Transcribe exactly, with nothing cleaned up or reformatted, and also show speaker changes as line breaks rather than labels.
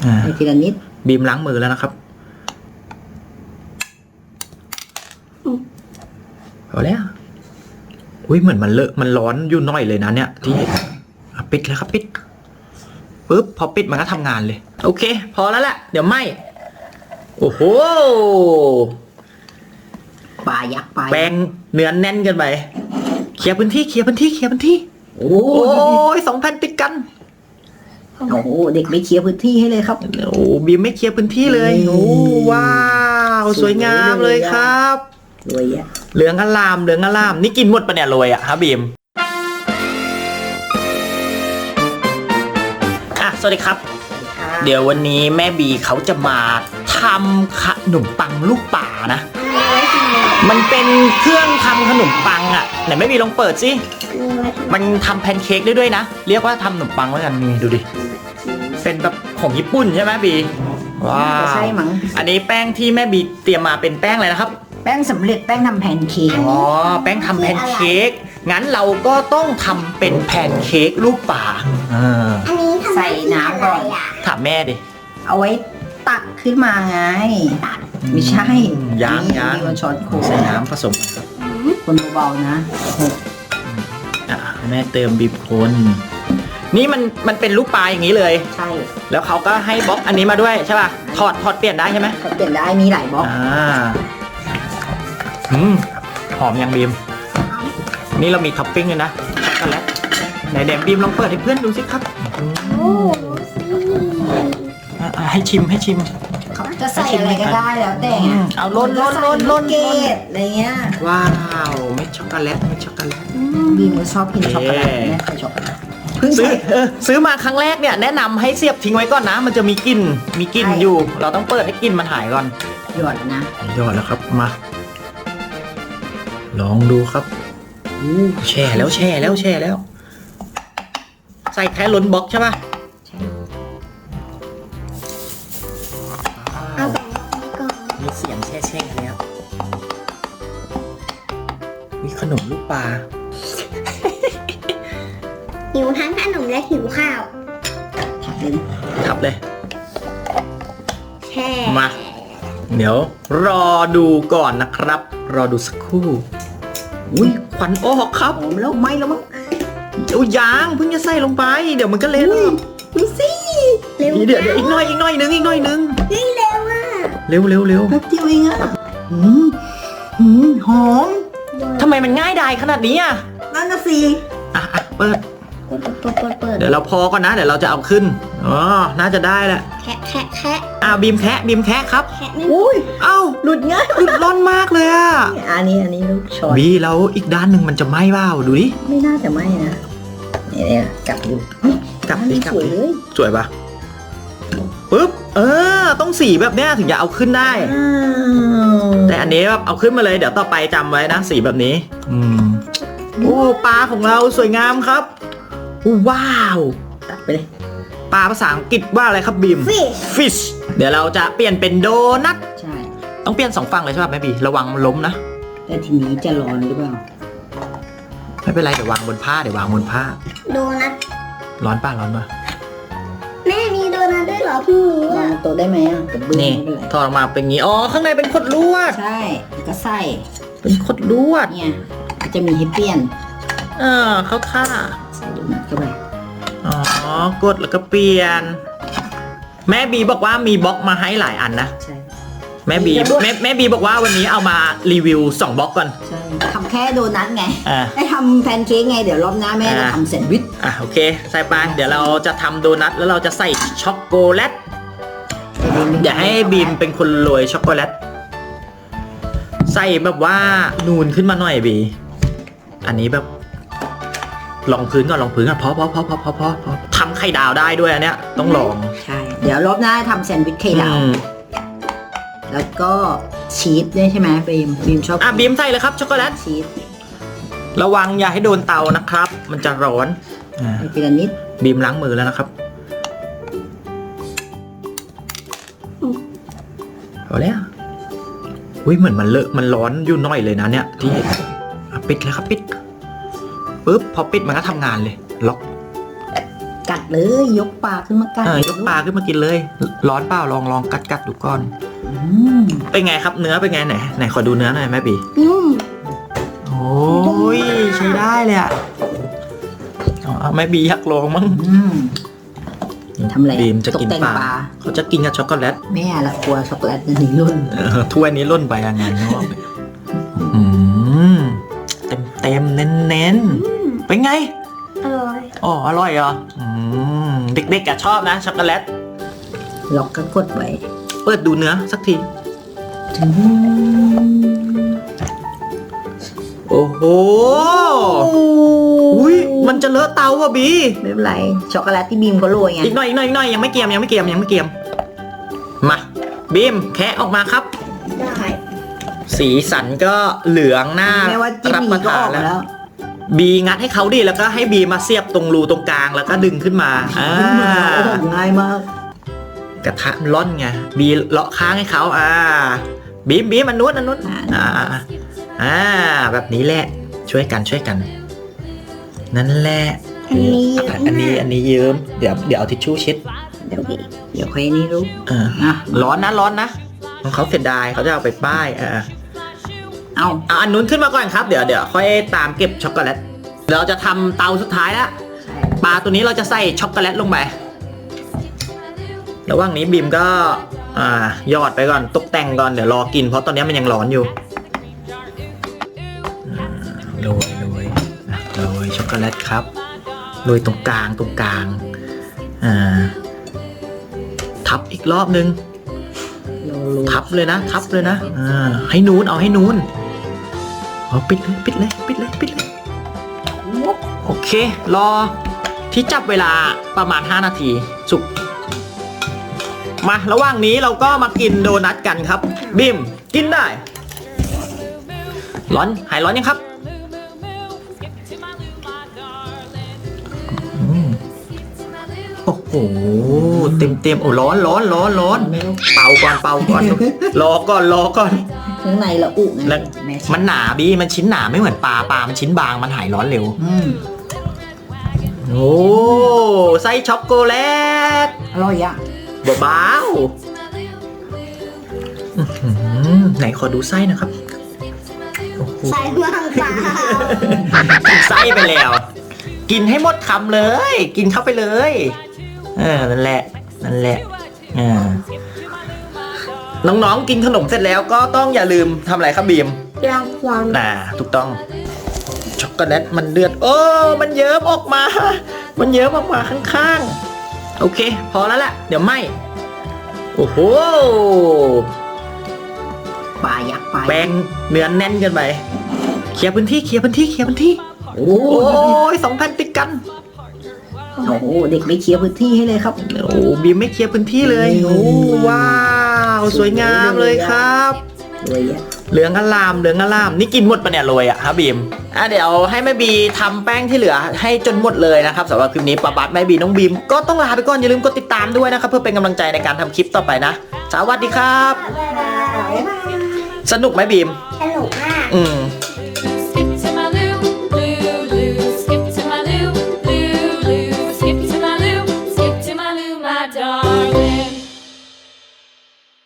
ให้ทีละนิด
บีมล้างมือแล้วนะครับพอแล้วอุ้ยเหมือนมันเลอะมันร้อนอยู่น้อยเลยนะเนี่ยที่ปิดเลยครับปิดปึ๊บพอปิดมันก็ทำงานเลยโอเคพอแล้วแหละเดี๋ยวไหมโอ้โห
ปลายักษ์ปลา
แป้งเนื้อแน่นกันไปเคลียร์พื้นที่เคลียร์พื้นที่เคลียร์พื้นที่
โอ้
ยสองแผ่นติดกัน
โอ้โหเด็กไม่เคลียร์พื้นที่ให้เลยครับ
โอ้บีมไม่เคลียร์พื้นที่เลยโอ้ว้าวสวยงามเลยครับ
รวยอะ
เหลืองอลามเหลืองอลามนี่กินหมดปะเนี่ยรวยอะฮะบีมอ่ะสวัสดีครับเดี๋ยววันนี้แม่บีเขาจะมาทำขนมปังลูกป่านะมันเป็นเครื่องทำขนมปังอ่ะไหนแม่บีลองเปิดสิมันทำแพนเค้กได้ด้วยนะเรียกว่าทำขนมปังแล้วกันนี่ดูดิเป็นแบบของญี่ปุ่นใช่ไหมบีว้าว
ใช่มั้ง
อันนี้แป้งที่แม่บีเตรียมมาเป็นแป้งอะไรนะครับ
แป้งสำเร็จแป้งทำแพนเค้ก
อ๋อแป้งทำแพนเค้กงั้นเราก็ต้องทำเป็นแพนเค้กรูปป่า
อันนี้ใส่น้ำก่อน
ถามแม่ดิ
เอาไว้ตักขึ้นมาไงไม่ใช่
ยางยาง
ช้อนโค้ง
ใส่น้ำผสม
คนเบาๆนะ
อ่ะแม่เติมบีบคนนี่มันมันเป็นลูกปลาอย่างนี้เลย
ใช่
แล้วเขาก็ให้บล็อกอันนี้มาด้วยใช่ป่ะถอดถอดเปลี่ยนได้ใช่ไหม
ถอดเปลี่ยนได้มีหลายบล็อก
อ่าอืมหอมยังบีมนี่เรามีท็อปปิ้งเลยนะช็อกโกแลตไหนเดมบีมลองเปิดให้เพื่อนดูสิครับโอ้ให้ชิมให้ชิม
เขาจะใส่อะไรก็ได้แล้วแต่
เอาล้นล้นล้นล้น
เกตอะไรเงี้ย
ว้าวไม่ช็อกโกแลตไม่ช็อกโกแลต
บีมก็ชอบกินช็อกโกแลตแม่เคยช็อกโกแลต
ซื้อซื้อมาครั้งแรกเนี่ยแนะนำให้เสียบทิ้งไว้ก่อนนะมันจะมีกลิ่นมีกลิ่นอยู่เราต้องเปิดให้กลิ่นมันหายก่อน
หยอดนะ
หยอดแล้วครับมาลองดูครับแช่แล้วแช่แล้วแช่แล้วใส่แค่ล้นบล็อกใช่ป่ะ
เอาแบบนี้ก่อน
มีเสียงแช่แช่แล้วมีขนมลูกปลา
หิวทั้งขนมและหิวข้าว
ทับเลย
ทับเลย
แช่
มาเดี๋ยวรอดูก่อนนะครับรอดูสักครู่อุ้ยควันออกครับ
หอมแล้วไหมแล้วมั้ง
โอ้ยยังเพิ่งจะใส่ลงไปเดี๋ยวมันก็เละ
ดูสิ
เร็วเดี๋ยวเดี๋ยวอีกหน่อยอีกหน่อยนึงอีกหน่อยนึง
เฮ้ยเร็วอ่ะ
เร็วเร็วเร็ว
แป๊บเดียวเองอ่ะหืมหืมหอม
ทำไมมันง่ายดายขนาดนี้อ่ะ
นั่นน่ะสิ
อ่ะอ่ะเปิด
เปิดเปิดเปิดเปิด
เดี๋ยวเราพอก่อนนะเดี๋ยวเราจะเอาขึ้นอ๋อน่าจะได้แหละ
แคะแคะแคะ
อ่าบีมแคะบีมแคะครับ
แคะไม่
อุ้ย
เอ้า
หลุดง่าย
หลุดร่อนมากเลยอ่ะ
อันนี้อันนี้ลูกช้อน
บีแล้วอีกด้านหนึ่งมันจะไหม้เปล่าดูดิ
ไม่น่าจะไหม้นะเนี่ยกลับดู
กลับดิกลับ
สวยเลย
สวยปะปึ๊บเออต้องสีแบบเนี้ยถึงจะเอาขึ้นได้แต่อันนี้แบบเอาขึ้นมาเลยเดี๋ยวต่อไปจำไว้นะสีแบบนี้อืมโอ้ปลาของเราสวยงามครับว้าว
ตัดไปเลย
ปลาภาษาอังกฤษว่าอะไรครับบีม
fish
fish เดี๋ยวเราจะเปลี่ยนเป็นโดนัท
ใช่
ต้องเปลี่ยนสองฝั่งเลยใช่ป่ะแม่บีระวังล้มนะ
แต่ทีนี้จะร้อนหรือเปล่า
ไม่เป็นไรเดี๋ยววางบนผ้าเดี๋ยววางบนผ้า
โดนัท
ร้อนป่ะร้อนป่ะ
แม่มีโดนัทด้วยเหรอเพิ่งรู้อ่ะ
โตได้ไหมอ่ะ
นี่ถอดออกมาเป็นงี้อ๋อข้างในเป็นขดลวด
ใช่ก็ใส่
เป็นขดลวด
เนี่ยจะมีให้เปลี่ยน
เออเข้าท่า
ใส่โดนัทเข้าไป
อ๋อกดแล้วก็เปลี่ยนแม่บีบอกว่ามีบล็อกมาให้หลายอันนะ
ใช่
แม่บีแม่แม่บีบอกว่าวันนี้เอามารีวิวสองบล็อกก่อน
ใช่ทำแค่โดนัทไงให้ทำแพนเค้กไงเดี๋ยวรอบหน้าแม่จะทำแซนด์วิช
อ่ะโอเคใส่ไปเดี๋ยวเราจะทำโดนัทแล้วเราจะใส่ช็อกโกแลตเดี๋ยวให้บีมเป็นคนโรยช็อกโกแลตใส่แบบว่านูนขึ้นมาหน่อยบีอันนี้แบบลองพื้นก่อนลองพื้นก่อนพอพอพอพอพอพอพอทำไข่ดาวได้ด้วยอันเนี้ยต้องลอง
ใช่เดี๋ยวรอบหน้าทำแซนด์วิชไข่ดาวแล้วก็ชีสด้วยใช่ไหมบีมบีมชอบ
อ่ะบีมใส่เลยครับช็อกโกแลต
ชีส
ระวังอย่าให้โดนเตานะครับมันจะร้อน
อ่าทีละนิด
บีมล้างมือแล้วนะครับพอแล้วอุ้ยเหมือนมันเลอะมันร้อนอยู่น้อยเลยนะเนี่ยที่ปิดเลยครับปิดปึ๊บพอปิดมันก็ทำงานเลยล็อก
กัดเลยยกปลาขึ้นมากัด
ยกปลาขึ้นมากินเลยร้อนเปล่าลองลองกัดกัดดูก่อน
อืม
เป็นไงครับเนื้อเป็นไงไหนไหนขอดูเนื้อหน่อยแม่บี
นุ่ม
โอ้ยใช้ได้เลยอะอ๋อแม่บีอยากลองมั้ง
อืมทำอะไร
บีมจะกิน
ตแต่ง
ปลาเขาจะกินกับช็อกโกแลต
แม่ละกลัวช็อกโกแลตมันหนีรุ่น
เออถ้วยนี้ล่นไปยังไงเนาะอืมเต็มเต็มเน้นเน้นๆเป็นไง
อร่อย
อ๋ออร่อยเหรออืมเด็กๆอะชอบนะช็อกโกแลต
ล็อกก็กดไว้
เปิดดูเนื้อสักที
อืม
โอ้โหอุ้ยมันจะเลอะเตาว่ะบี
ไม่เป็นไรช็อกโกแลตที่บีมเขาโรยไง
อีกหน่อยอีกหน่อยอีกหน่อยยังไม่เกรียมยังไม่เกรียมยังไม่เกรียมมาบีมแคะออกมาครับ
ได้
สีสันก็เหลืองหน้า
แม่ว่าจิ้ม
รับ
ห
ป
นี
ระ
ก็
ทา
อน อก
แล้
มาวแล้ว
บีงัดให้เขาดิแล้วก็ให้บีมาเสียบตรงรูตรงกลางแล้วก็ดึงขึ้นมาอ่า
โอ้โหง่ายมาก
กระทะมันร่อนไงบีเลาะค้างให้เขาอ่าบีมบีมอันนู้นอันนู้นอ่าอ่าแบบนี้แหละช่วยกันช่วยกัน นั่นแหละ
อันนี้
อ่ะอันนี้อันนี้เยิ้มเดี๋ยวเดี๋ยวเอาทิชชู่เช็ด
เดี๋ยวเดี๋ยวค่อยนี่รู้
เออ
อ่ะ
ร้อนนะร้อนนะของเขาเสียดายเขาจะเอาไปป้ายอ่า
เอา
เอาอันนู้นขึ้นมาก่อนครับเดี๋ยวเดี๋ยวค่อยตามเก็บช็อกโกแลตเราจะทำเตาสุดท้ายแล้วปลาตัวนี้เราจะใส่ช็อกโกแลตลงไประหว่างนี้บีมก็อ่าหยอดไปก่อนตกแต่งก่อนเดี๋ยวรอกินเพราะตอนนี้มันยังร้อนอยู่อ่าโรยโรยอ่ะโรยช็อกโกแลตครับโรยตรงกลางตรงกลางอ่าทับอีกรอบนึง
เรารู้
ทับเลยนะทับเลยนะอ่าให้นูนเอาให้นูนเอาปิดเลยปิดเลยปิดเลยปิดเลยโอเค รอที่จับเวลาประมาณห้านาทีสุกมาระหว่างนี้เราก็มากินโดนัทกันครับบิมกินได้ ร้อนหายร้อนยังครับอืมโอ้โหเต็มเต็มๆโอ้ร้อนร้อนร้อนร้อน
ไม่รู้
เป่าก่อนเป่าก่อน รอก่อนรอก่อน
ข้างในละอุไง
แล้ว
แม่
มันหนาบีมันชิ้นหนาไม่เหมือนปลาปลามันชิ้นบางมันหายร้อนเร็ว
อืม
โอ้ไส้ช็อกโกแลต
อร่อยอ่ะ
เบาๆอื้อหือไหนขอดูไส้นะครับโอ้โห
ใส่มากเปล่า
กินไส้ไปแล้ว กินให้หมดคำเลย กินเข้าไปเลยเออนั่นแหละนั่นแหละอ่าน้องๆกินขนมเสร็จแล้วก็ต้องอย่าลืมทำอะไรครับบีม
รางวัล
น่าถูกต้องช็อกโกแลตมันเดือดโอ้มันเยิ้มออกมา มันเยิ้มออกมาข้างๆโอเค พอแล้วแหละเดี๋ยวไหมโอ้โห
ปลายักษ์ปลา
แป้งเนื้อแน่นเกินไปเคลียร์พื้นที่เคลียร์พื้นที่เคลียร์พื้นที่
โอ้
โอ้ยสองแผ่นติดกัน
โหเด็กไม่เคลียร์พื้นที่ให้เลยครับ
โอ้บีมไม่เคลียร์พื้นที่เลยโอ้ว้าวสวยงามเลยครับ
เลยอ่ะ
เหลืองอลามเหลืองอลามนี่กินหมดปะเนี่ยโรยอะฮะบีมอ่ะเดี๋ยวให้แม่บีทำแป้งที่เหลือให้จนหมดเลยนะครับสำหรับคลิปนี้ป้าบัสแม่บีน้องบีมก็ต้องลาไปก่อนอย่าลืมกดติดตามด้วยนะครับเพื่อเป็นกำลังใจในการทำคลิปต่อไปนะสวัสดีครับ
บ๊ายบาย
สนุกไหมบีม
สนุกมาก
อืม
ส